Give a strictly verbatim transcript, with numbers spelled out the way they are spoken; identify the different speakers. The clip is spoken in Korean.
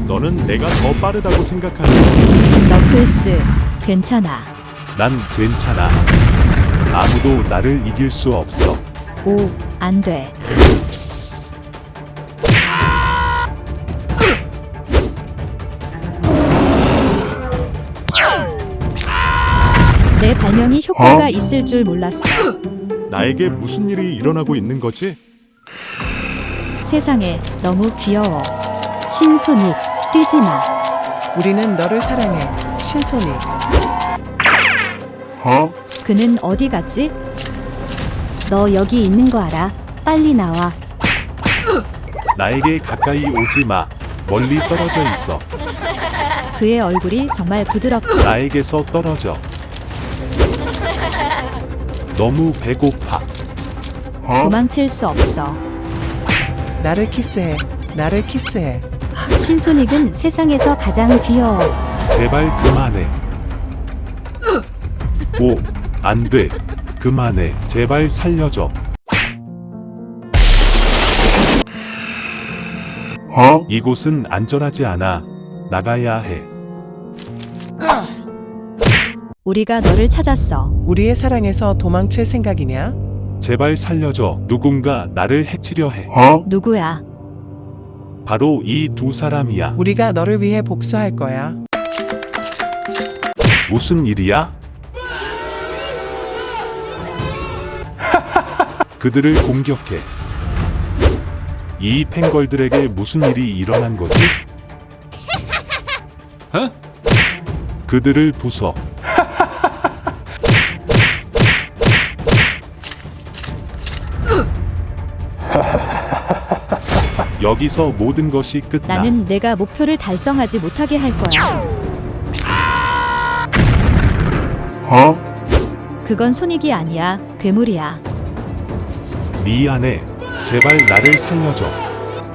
Speaker 1: 너는 내가 더 빠르다고 생각하는
Speaker 2: 너클스, 괜찮아.
Speaker 1: 난 괜찮아. 아무도 나를 이길 수 없어.
Speaker 2: 오, 안 돼. 내 발명이 효과가 있을 줄 몰랐어.
Speaker 1: 나에게 무슨 일이 일어나고 있는 거지?
Speaker 2: 세상에 너무 귀여워. 신손이, 뛰지 마.
Speaker 3: 우리는 너를 사랑해, 신손이.
Speaker 2: 그는 어디 갔지?
Speaker 4: 너 여기 있는 거 알아? 빨리 나와.
Speaker 1: 나에게 가까이 오지 마. 멀리 떨어져 있어.
Speaker 2: 그의 얼굴이 정말 부드럽고
Speaker 1: 나에게서 떨어져. 너무 배고파.
Speaker 2: 도망칠 수 없어.
Speaker 3: 나를 키스해, 나를 키스해.
Speaker 4: 신손익은 세상에서 가장 귀여워.
Speaker 1: 제발 그만해. 오, 안 돼. 그만해. 제발 살려줘. 이곳은 안전하지 않아. 나가야 해.
Speaker 2: 우리가 너를 찾았어.
Speaker 3: 우리의 사랑에서 도망칠 생각이냐?
Speaker 1: 제발 살려줘. 누군가 나를 해치려 해.
Speaker 2: 누구야?
Speaker 1: 바로 이 두 사람이야.
Speaker 3: 우리가 너를 위해 복수할 거야.
Speaker 1: 무슨 일이야? 그들을 공격해. 이 팽걸들에게 무슨 일이 일어난 거지? 어? 그들을 부숴. 여기서 모든 것이 끝나.
Speaker 2: 나는 내가 목표를 달성하지 못하게 할 거야. 그건 손익이 아니야. 괴물이야.
Speaker 1: 미안해. 제발 나를 살려줘.